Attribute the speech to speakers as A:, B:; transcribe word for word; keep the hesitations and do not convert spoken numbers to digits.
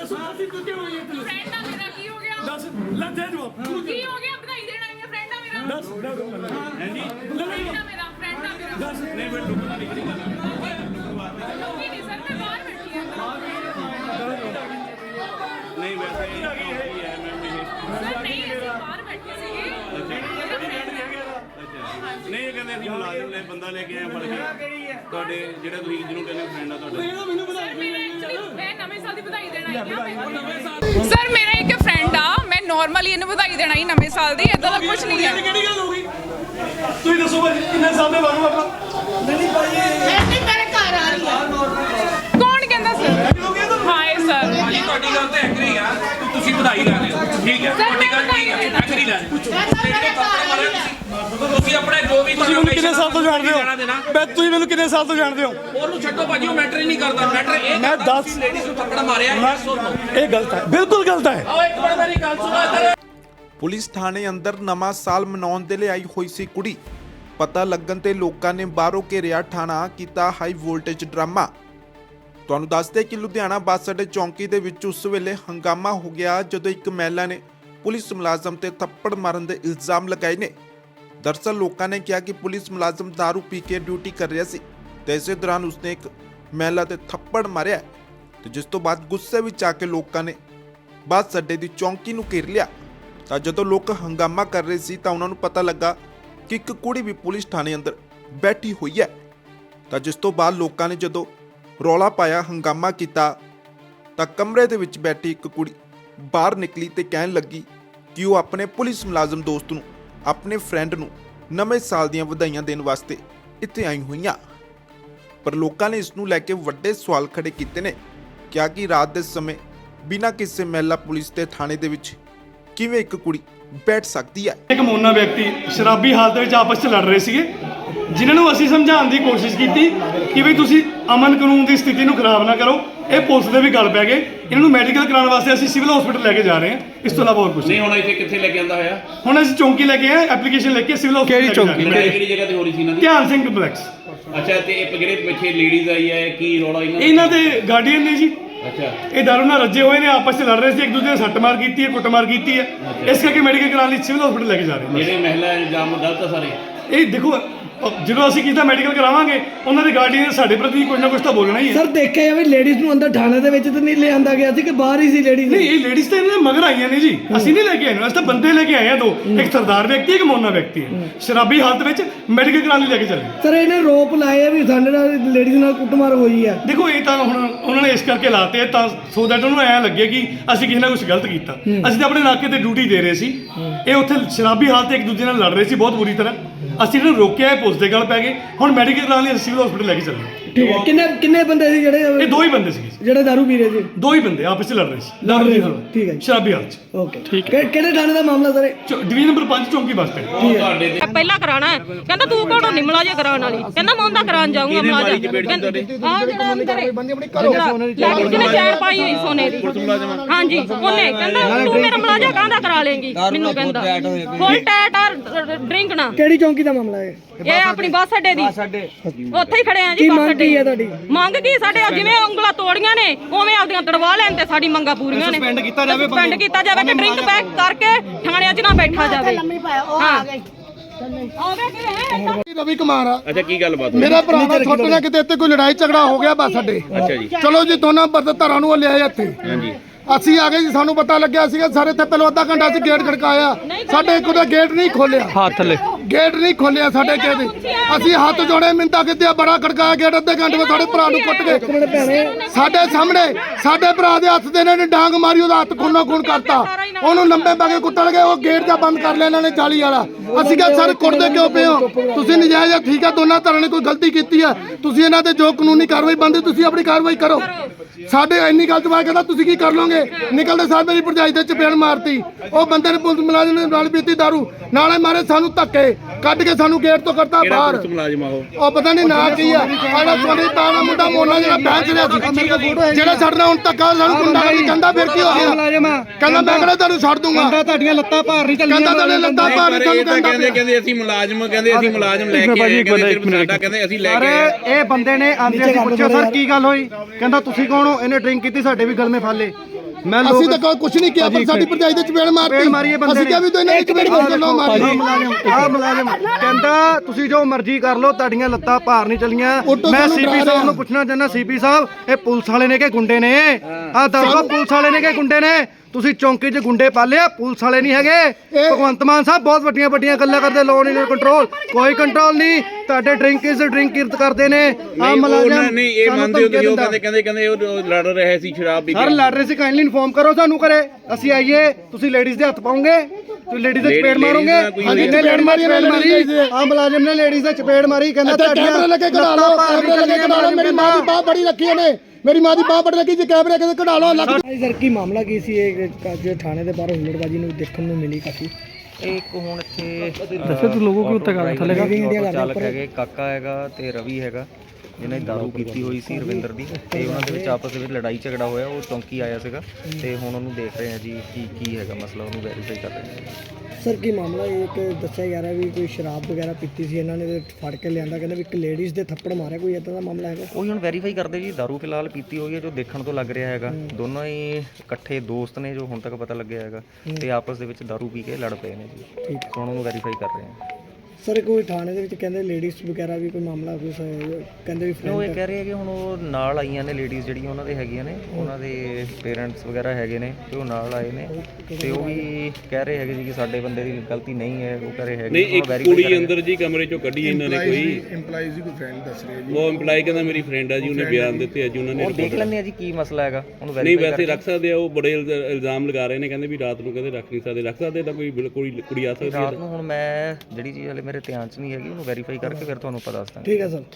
A: ਅਸੀਂ ਤੂੰ ਕਿਉਂ ਹੋਈ ਤੂੰ
B: ਫਰੈਂਡ ਆ ਮੇਰਾ, ਕੀ ਹੋ ਗਿਆ?
A: ਦੱਸ ਲੈ ਦੇ ਜਵਾਬ ਤੂੰ
B: ਕੀ ਹੋ ਗਿਆ? ਵਧਾਈ ਦੇਣ ਆਈ ਆ, ਫਰੈਂਡ ਆ ਮੇਰਾ।
A: ਦੱਸ ਹੈ ਜੀ
B: ਫਰੈਂਡ ਆ ਮੇਰਾ, ਫਰੈਂਡ ਆ ਮੇਰਾ।
A: ਦੱਸ ਨਹੀਂ ਮੈਂ ਲੁਕਣਾ ਨਹੀਂ ਕਰੀ ਗੱਲ
B: ਲੋਕੀ ਨਹੀਂ ਸਰ, ਮੈਂ ਬਾਹਰ ਬੈਠੀ ਆ।
C: ਨਹੀਂ ਵੈਸੇ ਹੀ ਹੈ ਮੈਮ ਇਹ
B: ਸਰ ਨਹੀਂ, ਅਸੀਂ ਬਾਹਰ ਬੈਠੇ ਸੀਗੇ।
C: ਨਹੀਂ ਇਹ ਕਹਿੰਦੇ ਅਸੀਂ ਮੁਲਾਜ਼ਮ ਲੈ ਬੰਦਾ ਲੈ ਕੇ ਆਏ ਫੜ ਕੇ ਤੁਹਾਡੇ ਜਿਹੜਾ ਤੁਸੀਂ ਜਿਹਨੂੰ ਕਹਿੰਦੇ ਫਰੈਂਡ ਆ ਤੁਹਾਡੇ
A: ਮੈਨੂੰ ਬਣਾ
B: ਸਰ ਮੇਰਾ ਐਕਚੁਅਲੀ ਮੈਂ ਨਵੇਂ ਸਾਲ ਦੀ ਵਧਾਈ ਦੇਣ ਆਈ ਆ। ਸਰ ਮੇਰਾ ਇੱਕ ਫਰੈਂਡ ਆ, ਮੈਂ ਨਾਰਮਲੀ ਇਹਨੂੰ ਵਧਾਈ ਦੇਣ ਆਈ ਨਵੇਂ ਸਾਲ ਦੀ, ਇਦਾਂ ਦਾ ਕੁਝ ਨਹੀਂ ਹੈ।
A: ਕਿਹੜੀ ਗੱਲ ਹੋ ਗਈ ਤੁਸੀਂ ਦੱਸੋ ਭਾਜੀ ਕਿੰਨੇ ਸਾਲ ਦੇ ਬਾਅਦ ਆਪਣਾ ਨਹੀਂ ਭਾਈ
B: ਐਸੇ ਮੇਰੇ ਘਰ ਆ ਰਹੀ ਆ। ਕੌਣ ਕਹਿੰਦਾ ਸਰ? ਹਾਏ ਸਰ
D: ਭਾਜੀ ਤੁਹਾਡੀ ਗੱਲ ਤੇ ਐਗਰੀ ਆ ਕਿ ਤੁਸੀਂ ਵਧਾਈ ਲੈ ਰਹੇ ਹੋ ਠੀਕ ਹੈ ਤੁਹਾਡੀ ਗੱਲ ਠੀਕ ਹੈ ਐਗਰੀ ਲੈ ਰਹੇ ਹੋ ਤੁਸੀਂ ਆਪਣੇ ਜੋ ਵੀ
A: ਤੁਸੀਂ ਮੈਨੂੰ ਕਿੰਨੇ ਸਾਲ ਤੋਂ ਜਾਣਦੇ ਹੋ ਮੈਂ ਤੁਸੀਂ ਮੈਨੂੰ ਕਿੰਨੇ ਸਾਲ ਤੋਂ ਜਾਣਦੇ ਹੋ
D: ਉਹਨੂੰ ਛੱਡੋ ਭਾਜੀ ਉਹ ਮੈਟਰ ਹੀ ਨਹੀਂ ਕਰਦਾ ਮੈਟਰ ਇਹ
A: ਮੈਂ ਦੱਸ
D: ਲੇਡੀਜ਼ ਨੂੰ ਥੱਪੜ ਮਾਰਿਆ ਇਹ ਸੁਣੋ
A: ਇਹ ਗਲਤ ਹੈ ਬਿਲਕੁਲ ਗਲਤ ਹੈ
D: ਆਓ ਇੱਕ ਵਾਰ ਮੇਰੀ ਗੱਲ ਸੁਣੋ ਇੱਧਰ
E: ਪੁਲਿਸ ਥਾਣੇ ਅੰਦਰ ਨਵਾਂ ਸਾਲ ਮਨਾਉਣ ਦੇ ਲਈ ਆਈ ਹੋਈ ਸੀ ਕੁੜੀ। ਪਤਾ ਲੱਗਣ ਤੇ ਲੋਕਾਂ ਨੇ ਬਾਹਰੋਂ ਘੇਰਿਆ ਥਾਣਾ, ਕੀਤਾ ਹਾਈ ਵੋਲਟੇਜ ਡਰਾਮਾ। ਤੁਹਾਨੂੰ ਦੱਸਦੇ ਕਿ ਲੁਧਿਆਣਾ ਬੱਸ ਅੱਡੇ ਚੌਂਕੀ ਦੇ ਵਿੱਚ ਉਸ ਵੇਲੇ ਹੰਗਾਮਾ ਹੋ ਗਿਆ ਜਦੋਂ ਇੱਕ ਮਹਿਲਾ ਨੇ ਪੁਲਿਸ ਮੁਲਾਜ਼ਮ ਤੇ ਥੱਪੜ ਮਾਰਨ ਦੇ ਇਲਜ਼ਾਮ ਲਗਾਏ ਨੇ। ਦਰਅਸਲ ਲੋਕਾਂ ਨੇ ਕਿਹਾ ਕਿ ਪੁਲਿਸ ਮੁਲਾਜ਼ਮ ਦਾਰੂ ਪੀ ਕੇ ਡਿਊਟੀ ਕਰ ਰਿਹਾ ਸੀ ਤੇ ਇਸੇ ਦੌਰਾਨ ਉਸਨੇ ਇੱਕ ਮਹਿਲਾ ਤੇ ਥੱਪੜ ਮਾਰਿਆ ਤੇ ਜਿਸ ਤੋਂ ਬਾਅਦ ਗੁੱਸੇ ਵਿੱਚ ਆ ਕੇ ਲੋਕਾਂ ਨੇ ਬੱਸ ਅੱਡੇ ਦੀ ਚੌਂਕੀ ਨੂੰ ਘੇਰ ਲਿਆ। ਤਾਂ ਜਦੋਂ ਲੋਕ ਹੰਗਾਮਾ ਕਰ ਰਹੇ ਸੀ ਤਾਂ ਉਹਨਾਂ ਨੂੰ ਪਤਾ ਲੱਗਾ ਕਿ ਇੱਕ ਕੁੜੀ ਵੀ ਪੁਲਿਸ ਥਾਣੇ ਅੰਦਰ ਬੈਠੀ ਹੋਈ ਹੈ। ਤਾਂ ਜਿਸ ਤੋਂ ਬਾਅਦ ਲੋਕਾਂ ਨੇ ਜਦੋਂ ਰੌਲਾ ਪਾਇਆ, ਹੰਗਾਮਾ ਕੀਤਾ ਤਾਂ ਕਮਰੇ ਦੇ ਵਿੱਚ ਬੈਠੀ ਇੱਕ ਕੁੜੀ ਬਾਹਰ ਨਿਕਲੀ ਤੇ ਕਹਿਣ ਲੱਗੀ ਕਿ ਉਹ ਆਪਣੇ ਪੁਲਿਸ ਮੁਲਾਜ਼ਮ ਦੋਸਤ ਨੂੰ, ਆਪਣੇ ਫਰੈਂਡ ਨੂੰ ਨਵੇਂ ਸਾਲ ਦੀਆਂ ਵਧਾਈਆਂ ਦੇਣ ਵਾਸਤੇ ਇੱਥੇ ਆਈ ਹੋਈਆਂ। ਪਰ ਲੋਕਾਂ ਨੇ ਇਸ ਨੂੰ ਲੈ ਕੇ ਵੱਡੇ ਸਵਾਲ ਖੜੇ ਕੀਤੇ ਨੇ। ਕਿਹਾ ਕਿ ਰਾਤ ਦੇ ਸਮੇਂ ਬਿਨਾਂ ਕਿਸੇ ਮਹਿਲਾ ਪੁਲਿਸ ਦੇ ਥਾਣੇ ਦੇ ਵਿੱਚ ਕਿਵੇਂ ਇੱਕ ਕੁੜੀ ਬੈਠ ਸਕਦੀ ਹੈ।
A: ਇੱਕ ਮੋਨਾ ਵਿਅਕਤੀ ਸ਼ਰਾਬੀ ਹਾਲਤ ਵਿੱਚ ਆਪਸ ਵਿੱਚ ਲੜ ਰਹੇ ਸੀਗੇ, ਜਿਨ੍ਹਾਂ ਨੂੰ ਅਸੀਂ ਸਮਝਾਉਣ ਦੀ ਕੋਸ਼ਿਸ਼ ਕੀਤੀ ਕਿ ਵੀ ਤੁਸੀਂ ਅਮਨ ਕਾਨੂੰਨ ਦੀ ਸਥਿਤੀ ਨੂੰ ਖਰਾਬ ਨਾ ਕਰੋ। ਇਹ ਪੁਲਿਸ ਦੇ ਵੀ ਗੱਲ ਪੈ ਗਏ। ਇਹਨਾਂ ਨੂੰ ਮੈਡੀਕਲ ਕਰਾਉਣ ਵਾਸਤੇ ਅਸੀਂ ਸਿਵਲ ਹਸਪੀਟਲ ਲੈ ਕੇ ਜਾ ਰਹੇ ਹਾਂ। ਇਸ ਤੋਂ ਇਲਾਵਾ ਹੋਰ ਕੁਝ
C: ਨਹੀਂ ਹੁਣ ਇੱਥੇ ਕਿੱਥੇ ਲੈ ਕੇ ਆਂਦਾ ਹੋਇਆ
A: ਹੁਣ ਅਸੀਂ ਚੌਂਕੀ ਲੈ ਕੇ ਆਏ, ਐਪਲੀਕੇਸ਼ਨ ਲੈ ਕੇ ਸਿਵਲ ਹਸਪੀਟਲ ਚੌਂਕੀ
C: ਲੜਾਈ ਕਿਹੜੀ ਜਗ੍ਹਾ ਤੇ ਹੋ ਰਹੀ ਸੀ ਇਹਨਾਂ ਦੀ?
A: ਧਿਆਨ ਸਿੰਘ ਕੰਪਲੈਕਸ।
C: ਅੱਛਾ ਤੇ ਇਹ ਜਿਹੜੇ ਪਿੱਛੇ ਲੇਡੀਜ਼ ਆਈ ਹੈ ਕੀ ਰੌਲਾ ਇਹਨਾਂ ਦਾ?
A: ਇਹਨਾਂ ਦੇ ਗਾਰਡੀਅਨ ਨੇ ਜੀ।
C: ਅੱਛਾ
A: ਇਹ ਦਾਰੂ ਨਾਲ ਰੱਜੇ ਹੋਏ ਨੇ, ਆਪਸ ਵਿੱਚ ਲੜ ਰਹੇ ਸੀ, ਇੱਕ ਦੂਜੇ ਨੇ ਸੱਟ ਮਾਰ ਕੀਤੀ ਹੈ, ਕੁੱਟਮਾਰ ਕੀਤੀ ਹੈ। ਇਸ ਕਰਕੇ ਮੈਡੀਕਲ ਕਰਾਉਣ ਲਈ ਸਿਵਲ ਹਸਪੀਟਲ ਲੈ ਕੇ ਜਾ ਰਹੇ ਹਾਂ।
C: ਜਿਹੜੇ ਮਹਿਲਾ ਇਲਜ਼ਾਮ ਗਲਤ ਆ ਸਾਰੇ
A: ਇਹ ਦੇਖੋ ਜਦੋਂ ਅਸੀਂ ਕੀਤਾ ਮੈਡੀਕਲ ਕਰਾਵਾਂਗੇ, ਉਹਨਾਂ ਦੇ ਗਾਰਡੀਅਨ ਸਾਡੇ ਪ੍ਰਤੀ ਕੁਝ ਨਾ ਕੁਝ ਤਾਂ ਬੋਲਣਾ ਹੀ ਹੈ।
F: ਸਰ ਦੇਖਿਆ ਜਾਵੇ ਲੇਡੀਜ਼ ਨੂੰ ਅੰਦਰ ਥਾਣੇ ਦੇ ਵਿੱਚ ਤਾਂ ਨਹੀਂ ਲਿਆਂਦਾ ਗਿਆ ਸੀ ਕਿ ਬਾਹਰ ਹੀ ਸੀ ਲੇਡੀਜ਼?
A: ਨਹੀਂ ਇਹ ਲੇਡੀਜ਼ ਤਾਂ ਇਹਨਾਂ ਦੇ ਮਗਰ ਆਈਆਂ ਨੇ ਜੀ, ਅਸੀਂ ਨਹੀਂ ਲੈ ਕੇ ਆਏ। ਅਸੀਂ ਤਾਂ ਬੰਦੇ ਲੈ ਕੇ ਆਏ ਆ ਦੋ, ਇੱਕ ਸਰਦਾਰ ਵਿਅਕਤੀ ਇੱਕ ਮੋਨਾ ਵਿਅਕਤੀ ਹੈ। ਸ਼ਰਾਬੀ ਹਾਲਤ ਵਿੱਚ ਮੈਡੀਕਲ ਕਰਾਉਣ ਲਈ ਲੈ ਕੇ ਚੱਲੇ।
F: ਸਰ ਇਹਨੇ ਰੋਪ ਲਾਏ ਆ ਵੀ ਸਾਡੇ ਨਾਲ ਲੇਡੀਜ਼ ਨਾਲ ਕੁੱਟਮਾਰ ਹੋਈ ਹੈ।
A: ਦੇਖੋ ਇਹ ਤਾਂ ਹੁਣ ਉਹਨਾਂ ਨੇ ਇਸ ਕਰਕੇ ਲਾਤੇ ਆ ਤਾਂ ਸੋ ਦੈਟ ਉਹਨੂੰ ਐਂ ਲੱਗੇ ਕਿ ਅਸੀਂ ਕਿਸੇ ਨਾਲ ਕੁਝ ਗਲਤ ਕੀਤਾ। ਅਸੀਂ ਤਾਂ ਆਪਣੇ ਨਾਕੇ ਤੇ ਡਿਊਟੀ ਦੇ ਰਹੇ ਸੀ, ਇਹ ਉੱਥੇ ਸ਼ਰਾਬੀ ਹਾਲਤ ਇੱਕ ਦੂਜੇ ਨਾਲ ਲੜ ਰਹੇ ਸੀ ਬਹੁਤ ਬੁਰੀ ਤਰ੍ਹਾਂ। ਅਸੀਂ ਇਹਨਾਂ ਨੂੰ ਰੋਕਿਆ, ਇਹ ਪੁਲਿਸ ਦੇ ਗੱਲ ਪੈ ਗਏ। ਹੁਣ ਮੈਡੀਕਲ ਕਰਾਉਣ ਲਈ ਸਿਵਲ ਹਸਪੀਟਲ ਲੈ ਕੇ ਚੱਲੇ।
F: ਠੀਕ ਹੈ। ਕਿੰਨੇ ਕਿੰਨੇ ਬੰਦੇ ਸੀ ਜਿਹੜੇ
A: ਇਹ ਦੋ ਹੀ ਬੰਦੇ ਸੀਗੇ,
F: ਜਿਹੜੇ ਦਾਰੂ ਪੀ ਰਹੇ ਸੀ?
A: ਦੋ ਹੀ ਬੰਦੇ ਆਪਸ ਵਿੱਚ ਲੜ ਰਹੇ ਸੀ
F: ਲੜ ਰਹੇ ਸੀ। ਠੀਕ ਹੈ।
A: ਸ਼ਰਾਬੀ ਹਾਲਤ 'ਚ।
F: ਓਕੇ ਠੀਕ ਹੈ। ਕਿਹੜੇ ਥਾਣੇ ਦਾ ਮਾਮਲਾ ਸਰ?
A: ਡਿਵੀਜ਼ਨ ਨੰਬਰ ਪੰਜ ਚੌਂਕੀ ਬੱਸ ਸਟੈਂਡ।
C: ਤੁਹਾਡੇ ਤੇ
G: ਪਹਿਲਾਂ ਕਰਾਣਾ ਹੈ। ਕਹਿੰਦਾ ਤੂੰ ਕੌਣ ਹੁੰਨੀ ਮੁਲਾਜ਼ਾ ਕਰਾਉਣ ਵਾਲੀ? ਕਹਿੰਦਾ ਮੈਂ ਉਹਦਾ ਕਰਾਉਣ ਜਾਊਂਗਾ ਮੁਲਾਜ਼ਾ। ਹਾਂ ਜਿਹੜਾ ਅੰਦਰ ਹੈ ਜਿਹਨੇ ਚੈਨ ਪਾਈ ਹੋਈ ਸੋਨੇ ਦੀ, ਹਾਂਜੀ ਉਹਨੇ ਕਹਿੰਦਾ ਤੂੰ ਮੇਰਾ ਮੁਲਾਜ਼ਾ ਕਾਹਦਾ ਕਰਾ ਲੇਂਗੀ? ਮੈਨੂੰ ਕਹਿੰਦਾ ਫੁੱਲ ਟੈਟ ਔਰ ਡਰਿੰਕ ਨਾ।
F: ਕਿਹੜੀ ਚੌਂਕੀ ਦਾ ਮਾਮਲਾ ਹੈ
G: ਇਹ ਆਪਣੀ ਬੱਸ ਅੱਡੇ ਦੀ, ਉੱਥੇ ਹੀ ਖੜੇ ਆ ਜੀ
F: ਕੀ
G: ਬੱਸ
F: ਮੰਗ
G: ਅੱਡੇ।
F: ਕੀ ਹੈ ਤੁਹਾਡੀ?
G: ਮੰਗ ਕੀ ਸਾਡੇ ਜਿਵੇਂ ਉਂਗਲਾਂ ਤੋੜੀਆਂ ਨੇ ਉਵੇਂ ਆਪਦੀਆਂ ਤੜਵਾ ਲੈਣ ਤੇ ਸਾਡੀ ਮੰਗਾਂ ਪੂਰੀਆਂ ਨੇ। ਸਸਪੈਂਡ ਕੀਤਾ ਜਾਵੇ ਸਸਪੈਂਡ ਕੀਤਾ ਜਾਵੇ ਕਿ ਡਰਿੰਕ ਬੈਕ ਕਰਕੇ ਥਾਣਿਆਂ 'ਚ ਨਾ ਬੈਠਾ ਜਾਵੇ। ਹਾਂ
H: ਰਵੀ ਕੁਮਾਰ ਆ।
C: ਅੱਛਾ ਕੀ ਗੱਲ ਬਾਤ
H: ਮੇਰਾ ਭਰਾ ਦਾ ਛੋਟੇ ਨਾਲ ਕਿਤੇ ਇੱਥੇ ਕੋਈ ਲੜਾਈ ਝਗੜਾ ਹੋ ਗਿਆ ਬੱਸ ਅੱਡੇ।
C: ਅੱਛਾ ਜੀ
H: ਚਲੋ ਜੀ ਦੋਨਾਂ ਬਰਦ ਧਰਾਂ ਨੂੰ ਲਿਆਏ ਇੱਥੇ।
C: ਹਾਂਜੀ
H: ਅਸੀਂ ਆ ਗਏ ਜੀ, ਸਾਨੂੰ ਪਤਾ ਲੱਗਿਆ ਸੀਗਾ ਸਾਰੇ ਇੱਥੇ ਪਹਿਲਾਂ ਅੱਧਾ ਘੰਟਾ ਅਸੀਂ ਗੇਟ ਖੜਕਾਇਆ, ਸਾਡੇ ਇੱਕ ਉਹਦਾ ਗੇਟ ਨਹੀਂ ਖੋਲਿਆ, ਹੱਥ ਲੈ ਗੇਟ ਨਹੀਂ ਖੋਲਿਆ ਸਾਡੇ ਗੇਟ। ਅਸੀਂ ਹੱਥ ਜੋੜੇ ਮਿੰਤਾ ਕੀਤੇ, ਬੜਾ ਖੜਕਾਇਆ ਗੇਟ, ਅੱਧੇ ਘੰਟੇ ਵਿੱਚ ਸਾਡੇ ਭਰਾ ਨੂੰ ਕੁੱਟ ਗਏ ਸਾਡੇ ਸਾਹਮਣੇ। ਸਾਡੇ ਭਰਾ ਦੇ ਹੱਥ ਦੇ ਇਹਨਾਂ ਨੇ ਡਾਂਗ ਮਾਰੀ, ਉਹਦਾ ਹੱਥ ਖੂਨੋ ਖੂਨ ਕਰਤਾ, ਉਹਨੂੰ ਲੰਬੇ ਪਾ ਕੇ ਕੁੱਟਣ ਗਏ। ਉਹ ਗੇਟ ਦਾ ਬੰਦ ਕਰ ਲਿਆ ਇਹਨਾਂ ਨੇ ਜਾਲੀ ਵਾਲਾ। ਅਸੀਂ ਕਿਹਾ ਸਰ ਕੁੱਟਦੇ ਕਿਉਂ ਪਏ ਹੋ ਤੁਸੀਂ? ਨਜਾਇਜ਼ ਆ, ਠੀਕ ਆ, ਦੋਨਾਂ ਧਿਰਾਂ ਨੇ ਕੋਈ ਗਲਤੀ ਕੀਤੀ ਆ, ਤੁਸੀਂ ਇਹਨਾਂ ਤੇ ਜੋ ਕਾਨੂੰਨੀ ਕਾਰਵਾਈ ਬਣਦੀ ਤੁਸੀਂ ਆਪਣੀ ਕਾਰਵਾਈ ਕਰੋ। ਸਾਡੇ ਇੰਨੀ ਗੱਲ ਜਵਾਬ ਕਹਿੰਦਾ ਤੁਸੀਂ ਕੀ ਕਰ ਲੋਗੇ? ਨਿਕਲਦੇ ਸਾਰ ਮੇਰੀ ਭਰਜਾਈ ਦੇ ਚਪੇੜ ਮਾਰਤੀ, ਉਹ ਬੰਦੇ ਨੇ ਪੁਲਿਸ ਮੁਲਾਜ਼ਮ ਨੇ ਨਾਲ ਪੀਤੀ ਦਾਰੂ, ਨਾਲੇ ਮਾਰੇ ਸਾਨੂੰ ਧੱਕੇ, ਕੱਢ ਕੇ ਸਾਨੂੰ ਗੇਟ ਤੋਂ ਕਰਤਾ ਬਾਹਰ।
C: ਮੁਲਾਜ਼ਮ ਆਹੋ
H: ਉਹ ਪਤਾ ਨਹੀਂ ਨਾਂ ਕੀ ਆ, ਸਾਡਾ ਸੋਨੀ ਪਾ ਦਾ ਮੁੰਡਾ ਮੋਨਾ ਜਿਹੜਾ ਬੈਂਚ ਰਿਹਾ ਸੀ, ਜਿਹੜਾ ਸਾਡੇ ਨਾਲ ਹੁਣ ਧੱਕਾ ਸਾਨੂੰ ਗੁੰਡਾ ਨਹੀਂ ਕਹਿੰਦਾ। ਫਿਰ ਕੀ ਹੋ ਗਿਆ? ਕਹਿੰਦਾ ਮੈਂ ਕਿਹੜਾ ਤੁਹਾਨੂੰ ਛੱਡ ਦੂੰਗਾ, ਤੁਹਾਡੀਆਂ ਲੱਤਾਂ ਭਾਰ ਨਹੀਂ ਚੱਲੀਆਂ, ਕਹਿੰਦਾ ਤੁਹਾਡੇ ਲੱਤਾਂ ਭਾਰ ਨਹੀਂ ਤੁਹਾਨੂੰ
C: ਕਹਿੰਦੇ ਕਹਿੰਦੇ ਅਸੀਂ ਮੁਲਾਜ਼ਮ ਕਹਿੰਦੇ ਅਸੀਂ ਮੁਲਾਜ਼ਮ ਲੈ ਕੇ ਆਏ, ਕਹਿੰਦੇ ਸਿਰਫ ਸਾਡਾ ਕਹਿੰਦੇ ਅਸੀਂ ਲੈ ਕੇ ਆਏ।
I: ਇਹ ਬੰਦੇ ਨੇ ਆਂਦੇ ਅਸੀਂ ਪੁੱਛਿਆ ਸਰ ਕੀ ਗੱਲ ਹੋਈ? ਕਹਿੰਦਾ ਤੁਸੀਂ ਕੌਣ ਹੋ? ਇਹਨੇ ਡਰਿੰਕ ਕੀਤੀ, ਸਾਡੇ ਵੀ ਗਲਮੇ ਫਾਲੇ। ਮੈਂ
H: ਅਸੀਂ ਤਾਂ ਕੋਈ ਕੁਝ ਨਹੀਂ ਕੀਤਾ ਪਰ ਸਾਡੀ ਭਰਜਾਈ ਦੇ ਚਪੇੜ ਮਾਰਤੀ ਅਸੀਂ ਕਿਹਾ ਵੀ ਤੂੰ ਇਹਨਾਂ ਦੀ ਚਪੇੜ ਮਾਰ ਮਾਰੀ
I: ਆ ਮੁਲਾਜ਼ਮ ਕਹਿੰਦਾ ਤੁਸੀਂ ਜੋ ਮਰਜ਼ੀ ਕਰ ਲਓ, ਤੁਹਾਡੀਆਂ ਲੱਤਾਂ ਭਾਰ ਨਹੀਂ ਚਲੀਆਂ। ਮੈਂ ਸੀਪੀ ਸਾਹਿਬ ਨੂੰ ਪੁੱਛਣਾ ਚਾਹੁੰਦਾ, ਸੀਪੀ ਸਾਹਿਬ ਇਹ ਪੁਲਿਸ ਵਾਲੇ ਨੇ ਕਿ ਗੁੰਡੇ ਨੇ? ਆ ਦੱਸੋ ਪੁਲਿਸ ਵਾਲੇ ਨੇ ਕਿ ਗੁੰਡੇ ਨੇ? ਤੁਸੀਂ ਚੌਂਕੀ 'ਚ ਗੁੰਡੇ ਪਾਲੇ ਆ, ਪੁਲਿਸ ਵਾਲੇ ਨਹੀਂ ਹੈਗੇ। ਭਗਵੰਤ ਮਾਨ ਸਾਹਿਬ ਬਹੁਤ ਵੱਡੀਆਂ ਵੱਡੀਆਂ ਗੱਲਾਂ ਕਰਦੇ, ਲੋਨ ਇਨ ਕੰਟਰੋਲ, ਕੋਈ ਕੰਟਰੋਲ ਨਹੀਂ। ਤੁਹਾਡੇ ਡਰਿੰਕ ਇਜ਼ ਡਰਿੰਕ ਕਿਰਤ ਕਰਦੇ ਨੇ ਆ ਮੁਲਾਜ਼ਮ।
C: ਨਹੀਂ ਇਹ ਮੰਨਦੇ ਹੋ ਤੁਸੀਂ? ਉਹ ਕਹਿੰਦੇ ਕਹਿੰਦੇ ਕਹਿੰਦੇ ਉਹ ਲੜ ਰਹੇ ਸੀ ਸ਼ਰਾਬ ਪੀ ਕੇ।
I: ਸਰ ਲੜ ਰਹੇ ਸੀ, ਕਾਈਂਡਲੀ ਇਨਫੋਰਮ ਕਰੋ ਸਾਨੂੰ ਕਰੇ, ਅਸੀਂ ਆਈਏ। ਤੁਸੀਂ ਲੇਡੀਜ਼ ਦੇ ਹੱਥ ਪਾਉਂਗੇ, ਤੁਸੀਂ ਲੇਡੀਜ਼ ਦੇ ਚਪੇੜ ਮਾਰੋਗੇ। ਜਿਹਨੇ ਲੇਡੀ ਮਾਰੀ ਆ ਮੁਲਾਜ਼ਮ ਨੇ ਲੇਡੀਜ਼ ਦੇ ਚਪੇੜ ਮਾਰੀ, ਕਹਿੰਦਾ
H: ਕੈਮਰੇ ਲੱਗੇ ਕਢਾ ਲਓ, ਕੈਮਰੇ ਲੱਗੇ ਕਢਾ ਲਓ। ਮੇਰੀ ਮਾਂ ਦੀ ਬਾਹ ਬੜੀ ਰੱਖੀ ਇਹਨੇ, ਮੇਰੀ ਮਾਂ ਦੀ ਬਾਹ ਬੜੀ ਲੱਗੀ ਜੀ, ਕੈਮਰੇ ਕਿਤੇ ਕਢਾ ਲਓ।
F: ਸਰ ਕੀ ਮਾਮਲਾ ਕੀ ਸੀ ਇਹ ਜੋ ਥਾਣੇ ਦੇ ਬਾਹਰ ਹੁੱਲੜਬਾਜੀ ਨੂੰ ਦੇਖਣ ਨੂੰ ਮਿਲੀ ਕਾਫੀ?
J: ਇੱਕ ਹੁਣ ਇੱਥੇ
F: ਦੱਸੋ ਤੂੰ ਲੋਗੋ ਕਿਉਂ ਉੱਤੇ ਕਰ ਥੱਲੇ
J: ਆਟੋ ਚਾਲਕ ਹੈਗੇ, ਕਾਕਾ ਹੈਗਾ ਤੇ ਰਵੀ ਹੈਗਾ, ਜਿਹਨੇ ਦਾਰੂ ਪੀਤੀ ਹੋਈ ਸੀ ਰਵਿੰਦਰ ਦੀ, ਤੇ ਉਹਨਾਂ ਦੇ ਵਿੱਚ ਆਪਸ ਦੇ ਵਿੱਚ ਲੜਾਈ ਝਗੜਾ ਹੋਇਆ। ਉਹ ਚੌਂਕੀ ਆਇਆ ਸੀਗਾ ਤੇ ਹੁਣ ਉਹਨੂੰ ਦੇਖ ਰਹੇ ਆ ਜੀ ਕੀ ਕੀ ਹੈਗਾ ਮਸਲਾ, ਉਹਨੂੰ ਵੈਰੀਫਾਈ ਕਰ ਰਹੇ ਆ।
F: ਸਰ ਕੀ ਮਾਮਲਾ ਇੱਕ ਦੱਸਿਆ ਜਾ ਰਿਹਾ ਵੀ ਕੋਈ ਸ਼ਰਾਬ ਵਗੈਰਾ ਪੀਤੀ ਸੀ ਇਹਨਾਂ ਨੇ ਤੇ ਫੜ ਕੇ ਲਿਆਂਦਾ, ਕਹਿੰਦੇ ਵੀ ਇੱਕ ਲੇਡੀਜ਼ ਦੇ ਥੱਪੜ ਮਾਰਿਆ, ਕੋਈ ਇਦਾਂ ਦਾ ਮਾਮਲਾ ਹੈਗਾ?
J: ਉਹੀ ਹੁਣ ਵੈਰੀਫਾਈ ਕਰਦੇ ਜੀ। ਦਾਰੂ ਫਿਲਹਾਲ ਪੀਤੀ ਹੋਈ ਹੈ ਜੋ ਦੇਖਣ ਤੋਂ ਲੱਗ ਰਿਹਾ ਹੈਗਾ। ਦੋਨੋਂ ਹੀ ਇਕੱਠੇ ਦੋਸਤ ਨੇ ਜੋ ਹੁਣ ਤੱਕ ਪਤਾ ਲੱਗਿਆ ਹੈਗਾ, ਤੇ ਆਪਸ ਦੇ ਵਿੱਚ ਦਾਰੂ ਪੀ ਕੇ ਲੜ ਪਏ ਨੇ ਜੀ।
F: ਠੀਕ
J: ਹੁਣ ਉਹਨੂੰ ਵੈਰੀਫਾਈ ਕਰ ਰਹੇ ਆ।
F: ਸਰ ਕੋਈ ਥਾਣੇ ਦੇ ਵਿੱਚ ਕਹਿੰਦੇ ਲੇਡੀਜ਼ ਵਗੈਰਾ ਵੀ ਕੋਈ ਮਾਮਲਾ ਕੁਛ ਕਹਿੰਦੇ ਵੀ
J: ਉਹ ਇਹ
F: friend
J: ਕਹਿ ਰਹੇ ਹੈਗੇ ਹੁਣ ਉਹ ਨਾਲ ਆਈਆਂ ਨੇ ਲੇਡੀਜ਼ ਜਿਹੜੀਆਂ ਉਹਨਾਂ ਦੇ ਹੈਗੀਆਂ ਨੇ, ਉਹਨਾਂ ਦੇ ਪੇਰੈਂਟਸ ਵਗੈਰਾ ਹੈਗੇ ਨੇ ਤੇ ਉਹ ਨਾਲ ਆਏ ਨੇ, ਤੇ ਉਹ ਵੀ ਕਹਿ ਰਹੇ ਹੈਗੇ ਜੀ ਕਿ ਸਾਡੇ ਬੰਦੇ ਦੀ ਗਲਤੀ ਨਹੀਂ ਹੈ। ਉਹ ਕਹਿ ਰਹੇ ਹੈਗੇ
C: ਨਹੀਂ ਇੱਕ ਕੁੜੀ ਅੰਦਰ ਜੀ ਕਮਰੇ ਚੋਂ ਕੱਢੀ ਇਹਨਾਂ ਨੇ, ਕੋਈ
H: ਇੰਪਲਾਈਜ਼ ਦੀ ਕੋਈ ਫਰੈਂਡ ਦੱਸ ਰਿਹਾ ਜੀ।
C: ਉਹ ਇੰਪਲਾਈ ਕਹਿੰਦਾ ਮੇਰੀ ਫਰੈਂਡ ਆ ਜੀ, ਉਹਨੇ ਬਿਆਨ ਦਿੱਤੇ ਅੱਜ ਉਹਨਾਂ ਨੇ।
J: ਉਹ ਦੇਖ ਲੈਂਦੇ ਆ ਜੀ ਕੀ ਮਸਲਾ ਹੈਗਾ, ਉਹਨੂੰ
C: ਨਹੀਂ
J: ਵੈਰੀਫਾਈ
C: ਵੈਸੇ ਰੱਖ ਸਕਦੇ ਆ, ਉਹ ਬੜੇ ਇਲਜ਼ਾ- ਇਲਜ਼ਾਮ ਲਗਾ ਰਹੇ ਨੇ, ਕਹਿੰਦੇ ਵੀ ਰਾਤ ਨੂੰ ਕਹਿੰਦੇ ਰੱਖ ਨਹੀਂ ਸਕਦੇ। ਰੱਖ ਸਕਦੇ ਤਾਂ ਕੋਈ ਬਿਲਕੁਲ ਕੁੜੀ ਆ ਸਕਦੀ
J: ਰਾਤ
C: ਹੈ।
J: ਨੂੰ ਹੁਣ ਮੈਂ ਜਿਹੜੀ ਚੀਜ਼ ਹਲੇ ਮੇਰੇ ਧਿਆਨ 'ਚ ਨਹੀਂ ਹੈਗੀ, ਉਹਨੂੰ ਵੈਰੀਫਾਈ ਕਰਕੇ ਫਿਰ ਤੁਹਾਨੂੰ ਪਤਾ ਦੱਸ ਦਾਂਗਾ।
F: ਠੀਕ ਹੈ ਸਰ।